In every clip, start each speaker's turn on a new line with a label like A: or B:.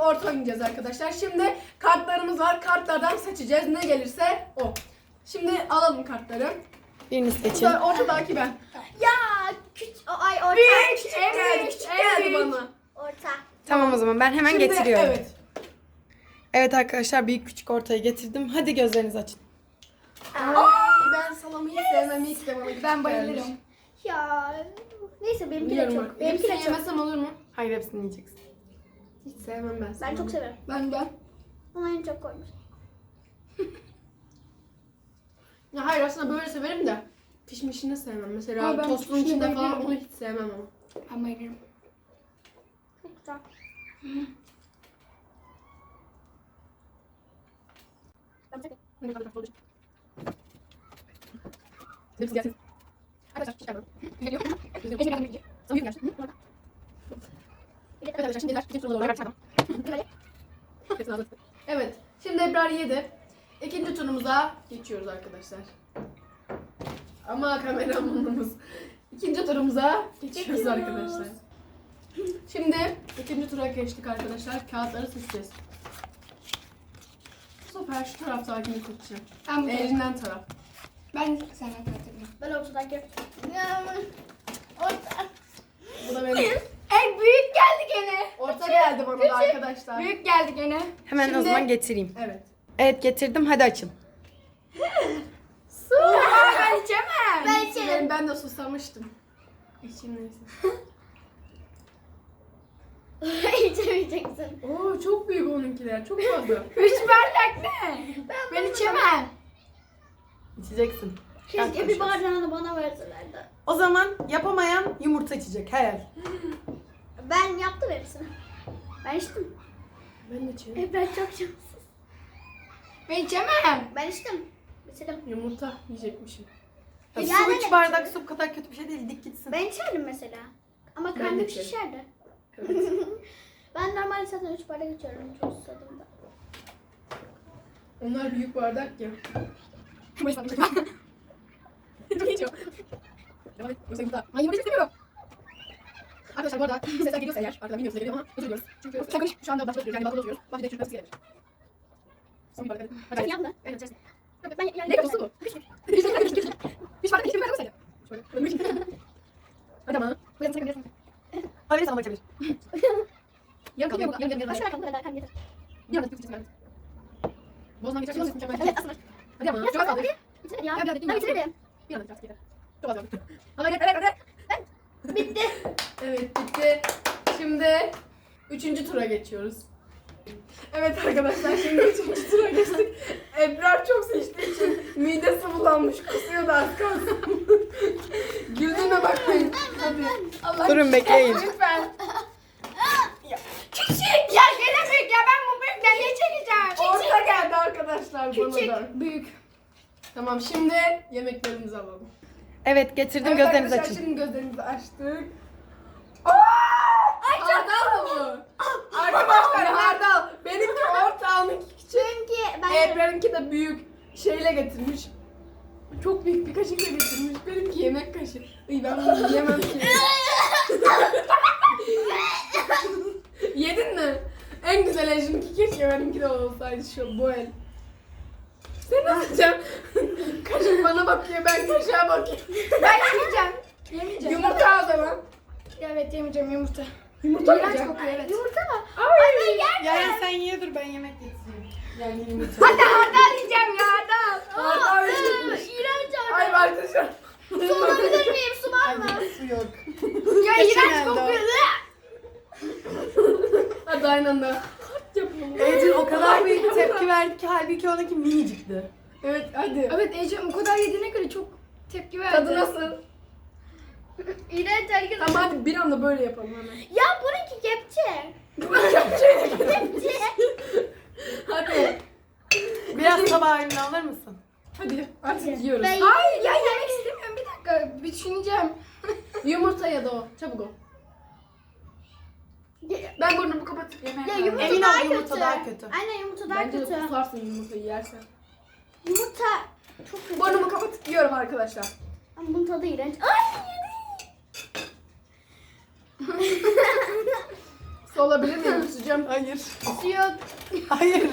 A: orta oynayacağız arkadaşlar. Şimdi kartlarımız var. Kartlardan seçeceğiz. Ne gelirse o. Şimdi alalım kartları.
B: Birini seçin.
A: Ortadaki ben.
C: Ya orta.
A: Küçük geldi. Küçük geldi bana.
C: Orta.
B: Tamam o zaman ben hemen
A: Şimdi,
B: getiriyorum.
A: Evet.
B: Evet arkadaşlar büyük küçük ortayı getirdim. Hadi gözlerinizi açın.
A: Ben salamayı sevmem hiç de bana.
D: Ben bayılırım.
C: Ya neyse benimki de
A: Biliyorum
C: çok.
A: bak.
C: Benimki de
A: Hepsini
C: çok.
A: yemesem olur mu?
B: Hayır hepsini yiyeceksin.
A: Hiç sevmem ben.
C: Ben çok severim.
D: Ben.
C: Ama en çok koymuş.
A: Ya hayır aslında böyle severim de pişmişini sevmem. Mesela
D: Ama ben
A: tostun
D: pişmişini
A: içinde falan
D: bayılıyorum.
A: onu hiç sevmem ama.
D: Ben bayılırım.
C: Çok güzel.
A: Ne kadar olacak? Hepsi gelsin. Arkadaşlar çıkardım. Geliyor. Sana bir gelsin. Evet arkadaşlar şimdi Ebrar ikinci turuna doğru çıkardım. Hepsini hazır. Evet. Şimdi Ebrar yedi. İkinci turumuza geçiyoruz arkadaşlar. Ama kameramanımız. İkinci turumuza geçiyoruz arkadaşlar. Şimdi ikinci tura geçtik arkadaşlar. Kağıtları seçeceğiz. Bu sefer şu taraftakini seçeceğim.
D: Ben bu
A: Elinden taraf.
D: Ben senden katıldım.
C: Ben ortadaki. Orta.
A: Bu da benim.
D: Büyük geldi gene.
A: Orta geldi bana da arkadaşlar.
D: Büyük geldi gene.
B: Hemen o
A: Şimdi-
B: zaman getireyim.
A: Evet.
B: Evet getirdim hadi açın.
D: Ben içemem.
C: Ben içerim.
A: Ben de susamıştım. İçim neyse.
C: İçemeyeceksin.
A: Oo çok büyük onunkiler. Çok fazla.
D: 3 bardak ne? Ben içemem.
B: İçeceksin.
C: Keşke bir bardağını bana verselerdi.
B: O zaman yapamayan yumurta içecek her el.
C: Ben yaptım hepsini. Ben içtim.
A: Ben de içerim.
C: Ben çok şanssız.
D: Ben içemem.
C: Ben içtim. Bitirdim.
A: Yumurta yiyecekmişim.
B: Ya,
C: Yani
B: su
C: ne
B: 3 bardak
C: biçim?
B: su bu kadar kötü bir şey değil. Dik gitsin.
C: Ben içerdim mesela. Ama
A: Ben de
C: karnım
A: içerim.
C: şişerdi.
A: Evet.
C: Ben normalde zaten 3 bardak içiyorum. Çok susadım da.
A: Onlar büyük bardak ya. Çok iyi içiyor. Devam et. Yoksa yumurta. Ay yumurta istemiyorum. Arkadaşlar bu arada sesler geliyorsa eğer, arkadan bilmiyorsa geliyor ama özür diliyoruz. Çünkü sakın şu anda başta oturuyoruz. Yani balkona oturuyoruz. Başta çürümesi gelebilir. Son bir bardak hadi.
C: Sen yapma.
A: Evet içersin.
C: Yok, ben yani
A: Ne kapısı bu? Bir bardak içtim ben olsaydı. Şöyle. Hadi ama. Bu yanı sakın gelsin. Öyle sana bakabilir. Yarın kalıyor. Yarın.
C: Başka bakalım kadar kan getir.
A: Bir anda çıksın çıksın. Bozdan geçersin. Ses mükemmel.
C: Evet aslında.
A: Hadi ama. Çok az kaldı.
C: Bitir hadi ya.
A: Ya,
C: Ben bitiririm.
A: Bir anda çıksın. Çok az kaldı. Hadi hadi.
C: Bitti.
A: Evet bitti. Şimdi 3. tura geçiyoruz. Evet arkadaşlar şimdi 3. tura geçtik. Ebrar çok seçtiği için midesi bulanmış. Kusuyor da az kalsın. Güldüğüne bakmayın. Hadi. Allah
B: Durun bekleyin.
A: lütfen.
D: Küçük. Ya gene büyük ya. Ben bu büyükten ne çekeceğim?
A: Orta geldi arkadaşlar bana
C: Küçük.
A: da. Büyük. Tamam şimdi yemeklerimizi alalım.
B: Evet getirdim
A: Evet
B: gözlerinizi
A: arkadaşlar,
B: açın.
A: şimdi gözlerimizi açtık. Hardal mı? Arkadaşlar hardal. Benimki orta, onunki küçük.
C: Çünkü ben
A: Ebrar'ınki de büyük şeyle getirmiş. Çok büyük bir kaşıkla getirmiş. Benimki yemek kaşığı. İyi ben bunu yiyemem ki. Yedin mi? En güzel ejimki keşke benimki de olsaydı şu bu el. Sen nasıl yiyeceksin? Kaşık bana bakıyor, ben kaşığa bakıyorum.
D: Ben yemeyeceğim. Yemeyeceğim.
A: Yumurta o zaman.
D: Evet yemeyeceğim yumurta.
A: Yumurta
D: İğrenç
A: yiyeceğim.
D: kokuyor evet.
C: yumurta mı?
B: Ya sen ye dur ben yemek getireyim.
A: Yani yumurta.
D: Hadi hardal yiyeceğim ya hardal.
A: Hardal yiyecekmiş.
C: İğrenç
A: Ay
C: abi.
A: arkadaşlar.
C: Su olabilir miyim? Su var mı?
B: Su yok.
D: Ya
B: Geçen
D: iğrenç
B: elde o.
D: kokuyor.
A: Hadi aynı anda. Yapalım.
B: Ecin o kadar büyük tepki verdi ki halbuki onunki minicikti.
A: Evet hadi.
D: Evet Ece o kadar yediğine göre çok tepki verdi.
A: Tadı nasıl?
C: İğrenç arkadaşlar.
A: Tamam hadi bir anda böyle yapalım hemen.
C: Ya bununki kepçe. Kepçe.
A: Hadi.
B: Biraz tabağı önüne alır mısın?
A: Hadi artık yiyoruz.
C: Ben-
D: Hayır ya yemek istemiyorum bir dakika bir düşüneceğim.
A: Yumurta ya da o. Çabuk ol. Ben burnumu kapatıp
C: Ya
A: yemeğe
C: yumurta
B: Emin ol,
C: daha
B: yumurta
C: kötü.
B: daha kötü.
C: Aynen yumurta daha
A: Bence de
C: kötü.
A: kusarsın yumurtayı yersen.
C: Yumurta çok kötü.
A: Burnumu kapatıp yiyorum arkadaşlar.
C: Ama bunun tadı iğrenç. Ay
A: Su olabilir mi? Sıcak. yiyeceğim.
B: Hayır.
C: Yok.
B: Hayır.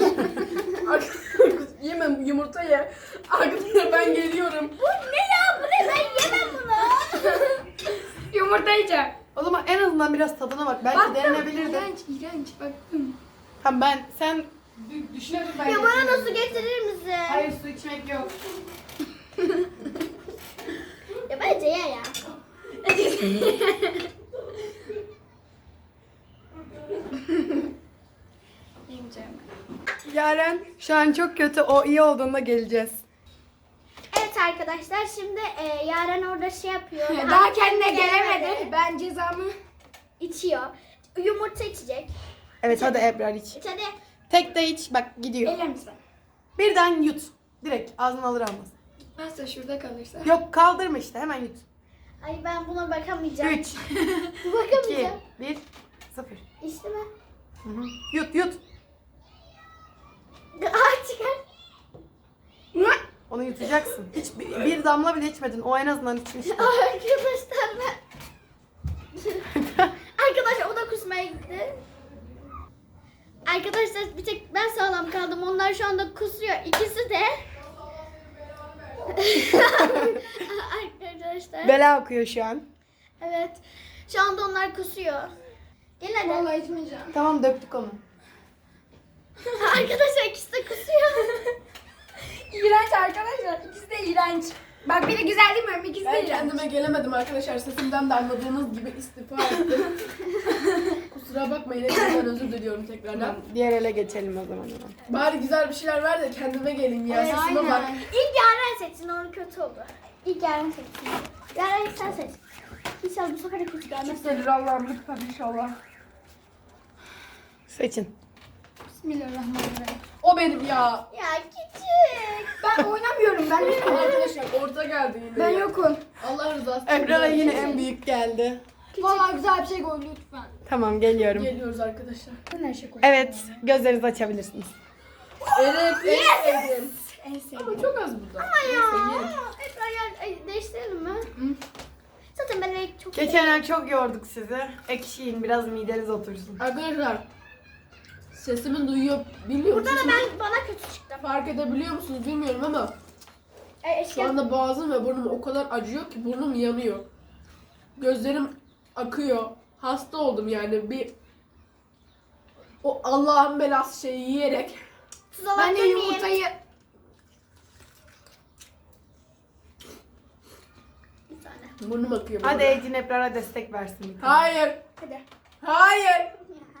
A: Yemem yumurta ye. Arkadaşlar ben geliyorum.
C: Bu ne ya? Bu ne? Ben yemem bunu.
D: Yumurta yiyeceğim.
B: O zaman en azından biraz tadına bak. Belki denenebilirdi.
D: İğrenç. Baktım.
B: Tamam sen düşünelim ben.
C: Ya bana
B: getiririm.
C: nasıl getirir misin?
B: Hayır su içmek yok.
C: Ya bence ye ya.
D: Yemeyeceğim.
B: Yaren şu an çok kötü. O iyi olduğunda geleceğiz.
C: Evet arkadaşlar şimdi Yaren orada şey yapıyor.
D: Daha kendine gelemedi. Ben cezamı...
C: İçiyor. Yumurta içecek.
B: Evet hadi Ebrar iç.
C: İç hadi.
B: Tek de iç bak gidiyor.
D: Eyle misin?
B: Birden yut. Direkt ağzına alır almaz.
D: Nasıl şurada kalırsa.
B: Yok kaldırma işte hemen yut.
C: Ay ben buna bakamayacağım.
B: 3, 2,
C: Bakamayacağım.
B: 1, 0.
C: İçti mi?
B: Yut yut.
C: Aa çıkar.
B: Onu yutacaksın. Hiç bir damla bile içmedin. O en azından içmişti.
C: Arkadaşlar ben... Arkadaşlar o da kusmaya gitti. Arkadaşlar bir tek ben sağlam kaldım. Onlar şu anda kusuyor. İkisi de. Arkadaşlar.
B: Bela akıyor şu an.
C: Evet. Şu anda onlar kusuyor. Gel hadi.
D: Vallahi içmeyeceğim.
B: Tamam döktük onu.
C: Arkadaşlar ikisi de kusuyor.
D: İğrenç arkadaşlar. İkisi de iğrenç. Bak biri güzel değil mi? İkisi de
A: Ben
D: iğrenç.
A: kendime gelemedim arkadaşlar. Sesimden de anladığınız gibi istifa ettim. Kusura bakmayın. Hepinizden özür diliyorum tekrardan.
B: Tamam, diğer ele geçelim o zaman.
A: Bari güzel bir şeyler ver de kendime geleyim ya.
C: Evet,
A: Sesime bak.
C: İlk Yaren seçsin. Onun kötü oldu. İlk Yaren seçsin. Yaren ilk sen seç. İnşallah bu sefer de kötü gelmez.
A: Hissedir Allah'ım lütfen inşallah.
B: Seçin.
D: Bismillahirrahmanirrahim.
A: O benim ya.
C: Ya küçük.
D: Ben oynamıyorum. Ben yokum.
A: Arkadaşlar orta geldi yine.
D: Ben
A: ya.
D: yokum.
A: Allah rızası için.
B: Ebrar'a yine en büyük geldi.
D: Vallahi güzel bir şey koy lütfen.
B: Tamam geliyorum.
A: Geliyoruz arkadaşlar.
D: Ben her şey koy.
B: Evet gözlerinizi açabilirsiniz.
A: Evet, evet.
D: En sevdiğim.
A: Ama çok az burada.
C: Ya. Ebrar ya değiştirelim mi? Zaten ben çok
B: Geçenler çok yorduk sizi. Ekşiyin biraz mideniz otursun.
A: Arkadaşlar sesimi duyuyor biliyor
C: Burada da
A: musunuz?
C: bana kötü çıktı.
A: Fark edebiliyor musunuz bilmiyorum ama şu
C: Eşya.
A: anda boğazım ve burnum o kadar acıyor ki burnum yanıyor. Gözlerim akıyor. Hasta oldum yani bir o Allah'ın belası şeyi yiyerek.
C: Tuz
D: Ben de
C: alabilir miyim?
D: yumurtayı...
C: Bir tane.
A: Burnum akıyor.
B: Hadi
A: böyle.
B: Ecin Ebrar'a destek versin.
A: Hayır.
C: Hadi.
A: Hayır.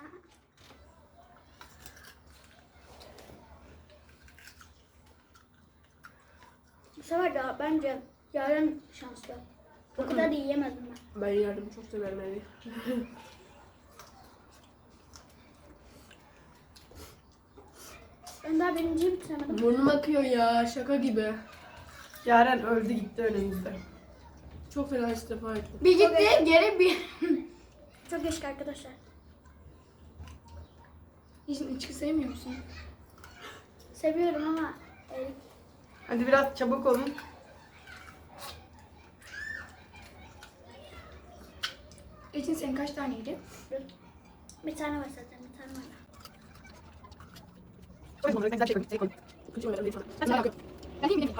C: Bu sefer de bence Yaren şanslı. O kadar da yiyemezdim ben.
A: Ben yardım çok severim yani.
C: Ben daha birinciyi bitiremedim.
A: Burnum akıyor ya şaka gibi.
B: Yaren öldü gitti önümüzde.
A: Çok fena istifa ettim.
D: Bir gitti geri bir...
C: Çok yaşık arkadaşlar.
D: Hiç içki sevmiyor musun?
C: Seviyorum ama
B: Hadi biraz çabuk olun.
D: İçin senin kaç taneydi?
C: bir tane var zaten, bir tane var.
D: Ben değil mi?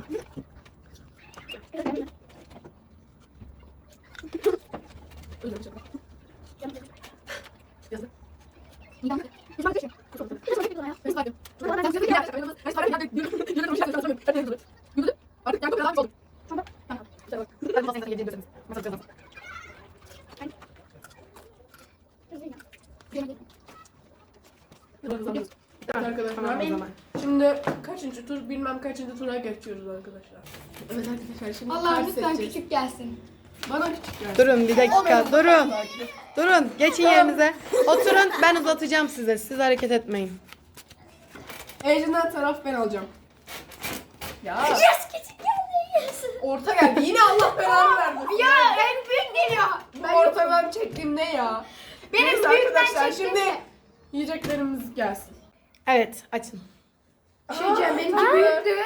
A: Arkadaşlar.
B: Tamam o zaman.
A: Şimdi kaçıncı tur bilmem kaçıncı tura geçiyoruz arkadaşlar. Evet arkadaşlar şimdi
D: Allah
A: kart
D: lütfen
A: seçeceğiz.
D: küçük gelsin.
A: Bana küçük gelsin.
B: Durun bir dakika durun.
A: Belki.
B: Durun geçin yerinize. Oturun ben uzatacağım size. Siz hareket etmeyin.
A: Ejder'den taraf ben alacağım. Ya
C: Yes, küçük geldi. Yes.
A: orta geldi. Yine Allah belanı vermesin.
D: Ya en büyük geliyor.
A: Bu ortadan çektiğim ne ya?
D: Benim
A: Neyse
D: büyükten
A: arkadaşlar
D: çektiğim
A: şimdi
D: ne?
A: yiyeceklerimiz gelsin.
B: Evet açın.
D: Şey diyeceğim benimki
A: Aa.
D: büyüktü.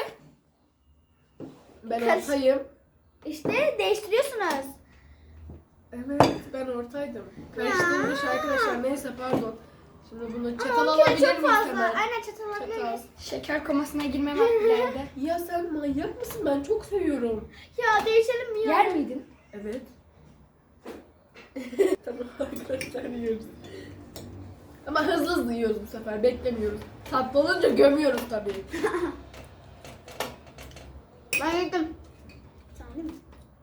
A: Ben
C: Karış-
A: ortayım.
C: İşte değiştiriyorsunuz.
A: Evet ben ortaydım. Karıştırmış arkadaşlar neyse pardon. Şimdi bunu
C: Ama
A: çatal
C: 10
A: alabilir
C: kilo çok
A: miyiz
C: fazla.
A: hemen?
C: Aynen çatal alabiliriz.
D: Şeker komasına girme vakti geldi.
A: Ya sen manyak mısın? Ben çok seviyorum.
C: Ya değişelim mi?
D: Yer miydin?
A: Evet. Tamam arkadaşlar yiyoruz. Ama hızlı hızlı yiyoruz bu sefer. Beklemiyoruz. Tatlı olunca gömüyoruz tabii.
C: Ben yedim. Sen değil mi?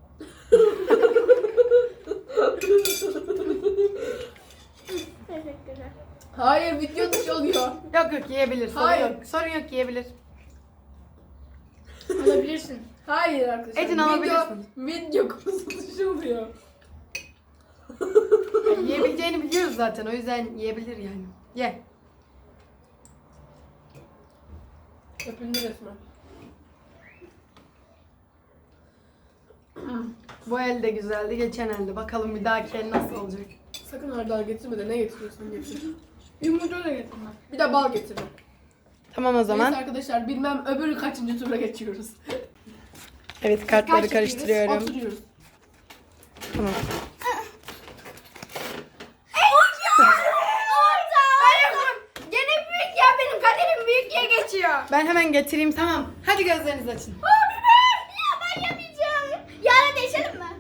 C: Teşekkürler.
A: Hayır video dışı oluyor.
B: Yok yok yiyebilir. Sorun
A: Hayır.
B: yok. Sorun yok yiyebilir.
D: Alabilirsin.
A: Hayır arkadaşlar.
B: Ecin alabilirsin.
A: Video konusu dışı oluyor.
B: Yani yiyebileceğini biliyoruz zaten. O yüzden yiyebilir yani. Ye.
A: Öpüldü resmen.
B: Bu el de güzeldi. Geçen elde. Bakalım bir dahaki el nasıl olacak.
A: Sakın hardal getirme de ne getiriyorsun getir.
D: Yumurta da getirme.
A: Bir de bal getirme.
B: Tamam o zaman.
A: Neyse arkadaşlar bilmem öbür kaçıncı tura geçiyoruz.
B: Evet kartları
D: Kaç
B: karıştırıyorum.
A: Oturuyoruz.
B: Tamam.
D: Gene büyük ya, benim kaderim büyük diye geçiyor.
B: Ben hemen getireyim tamam. Hadi gözlerinizi açın.
C: Ya ben yemeyeceğim. Yarın değişelim mi?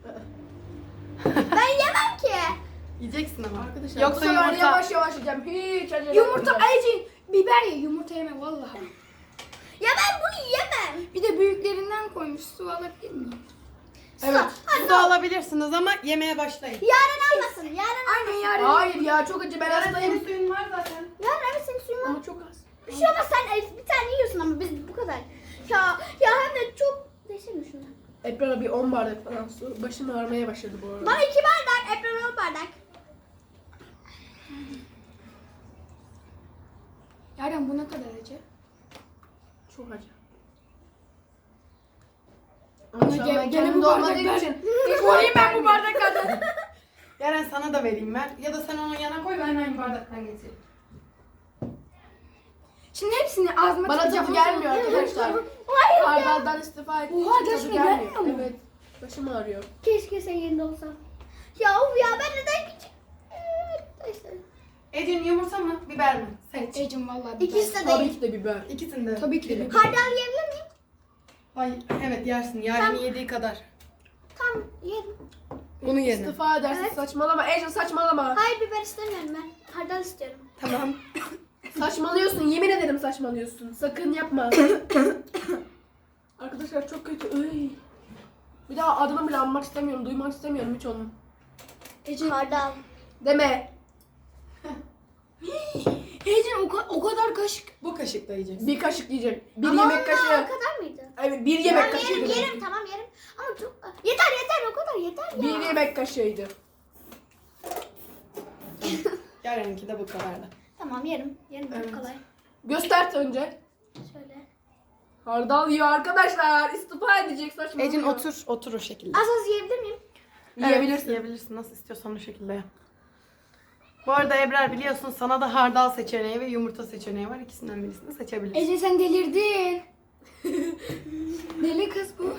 C: Ben yemem ki.
B: Yiyeceksin ama.
A: Arkadaşlar
B: Yoksa
A: bu sefer
B: yumurta.
A: yavaş yavaş yiyeceğim. Hiç acele
D: Yumurta,
A: etmeyeceğim.
D: Ecin, biber ye, yumurta yeme vallahi.
C: Ya ben bunu yemem.
D: Bir de büyüklerinden koymuş, su alabilir miyim?
A: Evet.
B: Su da alabilirsiniz ama yemeye başlayın.
C: Yarın almasın. Yarın
D: Aynen yarın.
A: Hayır ya çok acı ben
B: Senin
A: hastayım.
B: suyun var zaten.
C: Yarın evet senin suyun var.
A: Ama çok az.
C: Bir şey olmaz sen bir tane yiyorsun ama biz bu kadar. Ya hem de çok değişelim şunu.
A: Ebrar'a bir 10 bardak falan su. Başım ağrımaya başladı bu arada.
C: Bana 2 bardak, Ebru'na 10 bardak.
D: Yarın bu ne kadar acı?
A: Çok acı.
D: Ama
A: Ama şu an ben
D: gene
A: kendimde
D: bu
A: olmadığım
D: bardaklar.
A: için.
D: Koyayım ben bu bardaklardan.
B: Yaren sana da vereyim ben. Ya da sen onun yanına koy ben aynı bardaktan getireyim.
D: Şimdi hepsini ağzıma
A: Bana
D: tıkacağım.
A: tadı gelmiyor arkadaşlar.
C: Hayır ya.
A: Hardaldan istifa ettiğim
D: Oha,
A: için tadı
D: gerçekten
A: gelmiyor.
D: gelmiyor mu?
A: Evet. Başım ağrıyor.
C: Keşke sen yerinde olsam. Ya of ya ben neden küçük? İşte.
B: Ecin yumurta mı? Biber mi? Seç.
D: Ecin vallahi biber.
C: İkisi de
A: Tabii
C: değil.
A: ki de biber.
B: İkisini de.
D: Tabii ki de biber.
C: Hardal yiyebilir miyim?
B: Ay evet yersin. Yaren'in yediği kadar.
C: Tamam yerim.
B: Bunu yedim.
A: İstifa edersin
C: Evet.
A: saçmalama. Ejin saçmalama.
C: Hayır biber istemiyorum ben. Hardal istiyorum.
B: Tamam.
A: Saçmalıyorsun. Yemin ederim saçmalıyorsun. Sakın yapma. Arkadaşlar çok kötü. Iy. Bir daha adımı bile anmak istemiyorum. Duymak istemiyorum hiç onu.
C: Ecin. Hardal.
A: Deme.
D: Ecin o kadar kaşık.
B: Bu kaşıkla yiyeceksin.
A: Bir kaşık yiyeceğim. Bir
C: Ama
A: yemek
C: onun
A: kaşığı.
C: o kadar mıydı?
A: Evet bir yemek
C: Tamam
A: kaşığı.
C: yerim
A: dedim.
C: yerim tamam yerim. Ama çok... Yeter yeter o kadar yeter ya.
A: Bir yemek kaşığıydı.
B: Yaren'inki de bu kadardı.
C: Tamam yerim. Yerim çok
B: Evet.
C: kolay.
A: Göster önce.
C: Şöyle.
A: Hardal yiyor arkadaşlar. İstifa edecek saçmalıyor.
B: Ecin otur. Otur o şekilde.
C: Az az yiyebilir miyim?
A: Yiyebilirsin.
B: Evet, yiyebilirsin. Nasıl istiyorsan o şekilde yap. Bu arada Ebrar biliyorsun sana da hardal seçeneği ve yumurta seçeneği var. İkisinden birisini seçebilirsin.
D: Ecin sen delirdin. Deli kız bu.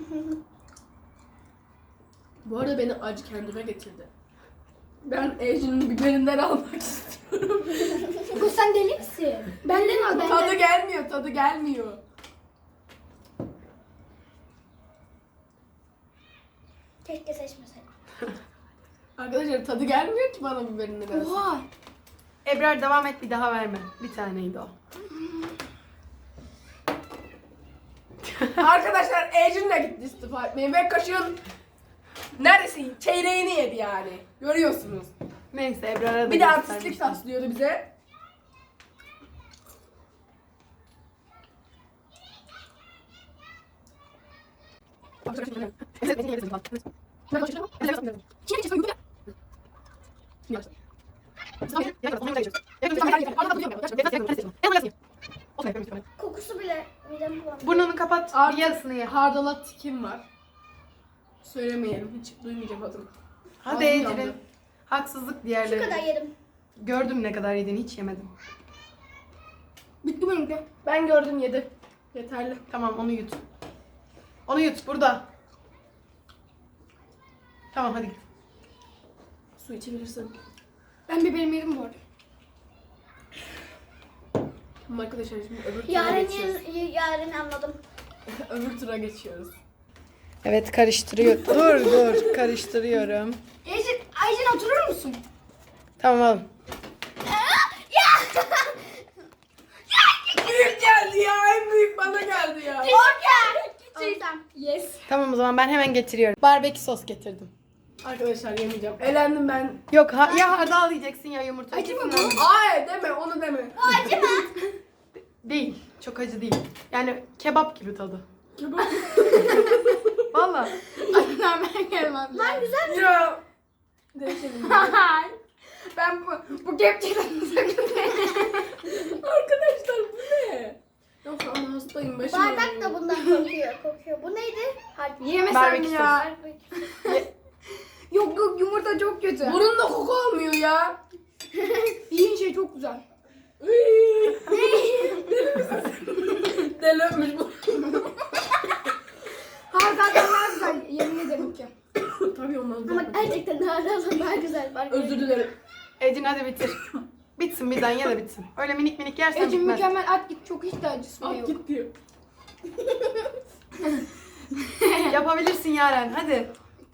A: Bu arada beni acı kendime getirdi. Ben Ejin'in biberinden almak istiyorum.
D: Kız sen deli misin? Benden al benden.
A: Tadı gelmiyor, tadı gelmiyor.
C: Keşke seçmeseydim.
A: Arkadaşlar tadı gelmiyor ki bana biberinden alsın.
D: Oha.
B: Ebrar devam et bir daha verme. Bir taneydi o.
A: Arkadaşlar Ejin de gitti istifa etmeye ve kaşığın neredeyse çeyreğini yedi yani. Görüyorsunuz.
B: Neyse Ebrar'a da
A: Bir de
B: göstermiştim.
A: artistlik taslıyordu bize.
C: Kokusu bile midemi bulandı.
B: Burnunu kapat. Bir
A: Artık
B: yarısını ye.
A: hardala tikim var. Söylemeyelim, hiç duymayacağım adını.
B: Hadi
A: Ağzım yandı.
B: Ecrin. Haksızlık
C: Şu
B: diğerleri.
C: kadar yerim.
B: Gördüm ne kadar yediğini hiç yemedim.
D: Bitti benimki.
A: Ben gördüm yedi. Yeterli.
B: Tamam onu yut. Onu yut burada. Tamam hadi git.
A: Su içebilirsin.
D: Ben biberimi yedim bu arada.
A: Arkadaşlar şimdi öbür tura geçiyoruz.
C: Yarın anladım.
A: Öbür tura geçiyoruz.
B: Evet karıştırıyor. Dur karıştırıyorum.
D: Ayşen oturur musun?
B: Tamam oğlum.
A: Büyük geldi ya. En büyük bana geldi ya.
D: Yes.
B: Tamam o zaman ben hemen getiriyorum. Barbekü sos getirdim.
A: Arkadaşlar yemeyeceğim. Elendim ben.
B: Yok ya hardal yiyeceksin ya yumurta.
D: Acı mı
B: İkisinden
D: bu?
B: biri.
A: Ay deme onu deme.
B: Değil. Çok acı değil. Yani kebap gibi tadı. Valla.
D: Ben gelmem.
C: Ben güzel.
A: Ya. Değişelim.
D: Ben bu kepçeden
A: Arkadaşlar bu ne? Yok ama hastayım başım
C: Bardak
A: ağrıyor.
C: da bundan kokuyor. Bu neydi?
D: yemesem
B: Barbekü
D: ya. Yok yumurta çok kötü.
A: Burnumda koku olmuyor ya.
D: Yiyin şey çok güzel.
A: Deli misin? Deli öpmüş bu.
D: Hardaldan daha güzel yemin ederim ki.
A: Tabii ondan
C: Ama
A: zaten.
C: gerçekten daha güzel.
A: Özür dilerim.
B: Ecin hadi bitir. Bitsin birden ye de bitsin. Öyle minik minik yersen
D: Ecim
B: bitmez.
D: mükemmel at git çok hiç de acısı
A: Al
D: yok.
A: git diyor.
B: Yapabilirsin Yaren hadi.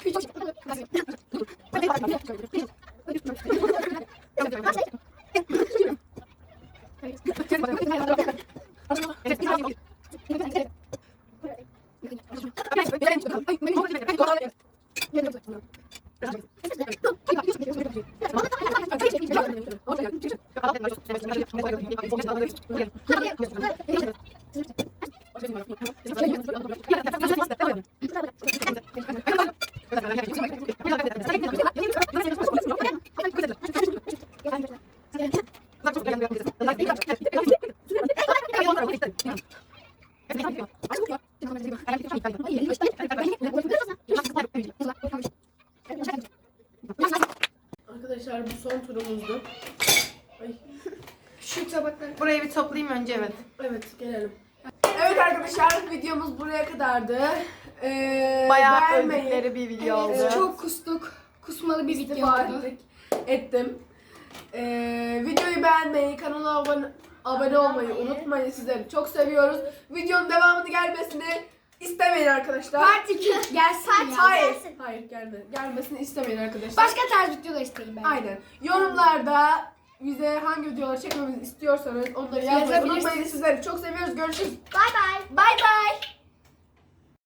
A: Arkadaşlar bu son turumuzdu. Ay.
D: Şu tabakları.
B: Burayı bir toplayayım önce evet.
A: Evet gelelim. Evet arkadaşlar videomuz buraya kadardı.
B: Bayağı
A: beğenmeyi,
B: öldükleri bir video oldu.
A: Evet.
D: Çok kustuk. Kusmalı bir video
A: istifa
D: oldu.
A: ettim. Videoyu beğenmeyi, kanala abone olmayı unutmayın. Sizleri çok seviyoruz. Videonun devamını gelmesini istemeyin arkadaşlar.
D: Part 2 gelsin ya.
A: Hayır.
C: gelsin.
A: Hayır gelmesini istemeyin arkadaşlar.
D: Başka tarz videolar isteyin ben.
A: Aynen. Yorumlarda bize hangi videoları çekmemizi istiyorsanız onları yazmayı
D: Yazabilirsiniz.
A: unutmayın. Sizleri çok seviyoruz. Görüşürüz.
C: Bye bye.
D: Bye bye.